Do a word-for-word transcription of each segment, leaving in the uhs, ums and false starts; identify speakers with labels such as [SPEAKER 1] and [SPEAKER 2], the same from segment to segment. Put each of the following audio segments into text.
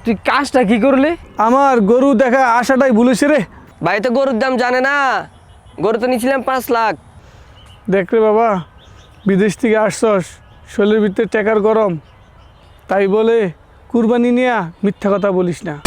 [SPEAKER 1] তুই কাজটা কি করলি?
[SPEAKER 2] আমার গরু দেখা আশাটাই ভুলেছে রে।
[SPEAKER 3] ভাই তো গরুর দাম জানে না, গরু তো নিয়েছিলাম পাঁচ লাখ।
[SPEAKER 2] দেখ রে বাবা, বিদেশ থেকে আসছস, শরীরের ভিতরে টাকার গরম, তাই বলে কুরবানি নিয়া মিথ্যা কথা বলিস না।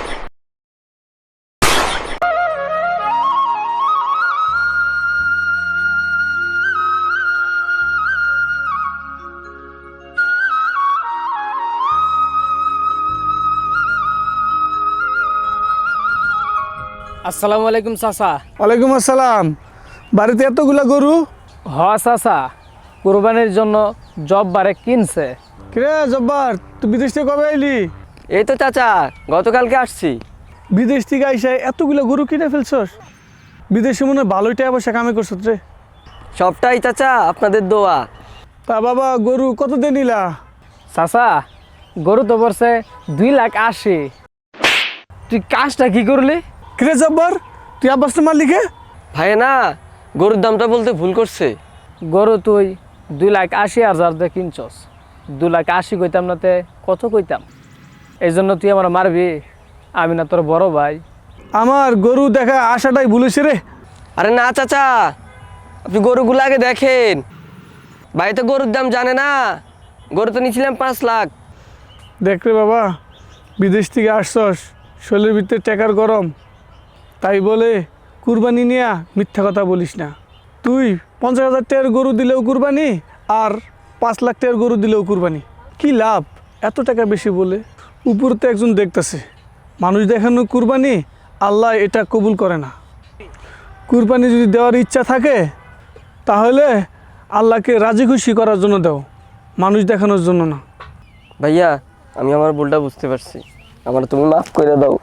[SPEAKER 1] আসসালামু আলাইকুম চাচা।
[SPEAKER 2] ওয়ালাইকুম আসসালাম। বাড়িতে এতগুলা গরু?
[SPEAKER 1] হ চাচা, কুরবানির জন্য জব বারে কিনছে।
[SPEAKER 2] কিরে জব্বার, তুই বিদেশ থেকে কবে আইলি?
[SPEAKER 3] এই তো চাচা, গতকালকে আসছি।
[SPEAKER 2] বিদেশ থেকে আইসা এতগুলা গরু কিনে ফেলছস? বিদেশে মনে হয় ভালোই টাকা পয়সা কামে করছত রে।
[SPEAKER 3] সবটাই চাচা আপনাদের দোয়া।
[SPEAKER 2] তা বাবা, গরু কত দিয়ে নিলা?
[SPEAKER 1] চাচা, গরু তো পড়ছে দুই লাখ আশি। তুই কাজটা কি করলি?
[SPEAKER 2] কিরে জব্বার, তুই আব্বাসটা মারলি কে?
[SPEAKER 3] ভাই না, গরুর দামটা বলতে ভুল করছে।
[SPEAKER 1] গরু তুই দুই লাখ আশি হাজার দিয়ে কিনছস, দু লাখ আশি কইতাম না তে কত কইতাম? এই জন্য তুই আমার মারবি? আমি না তোর বড় ভাই?
[SPEAKER 2] আমার গরু দেখা আশাটাই ভুলেছে রে।
[SPEAKER 3] আরে না চাচা, আপনি গরুগুলো আগে দেখেন। ভাই তো গরুর দাম জানে না, গরু তো নিয়েছিলাম পাঁচ লাখ।
[SPEAKER 2] দেখ রে বাবা, বিদেশ থেকে আসছস, শরীরের ভিতরে টাকার গরম, তাই বলে কুরবানি নিয়া মিথ্যা কথা বলিস না। তুই পঞ্চাশ হাজার টাকার গরু দিলেও কুরবানি, আর পাঁচ লাখ টাকার গরু দিলেও কুরবানি। কি লাভ এত টাকা বেশি বলে? উপরে তো একজন দেখতেছে, মানুষ দেখানো কুরবানি আল্লাহ এটা কবুল করে না। কুরবানি যদি দেওয়ার ইচ্ছা থাকে তাহলে আল্লাহকে রাজি খুশি করার জন্য দাও, মানুষ দেখানোর জন্য না।
[SPEAKER 3] ভাইয়া, আমি আমার ভুলটা বুঝতে পারছি, আমার তুমি মাফ করে দাও।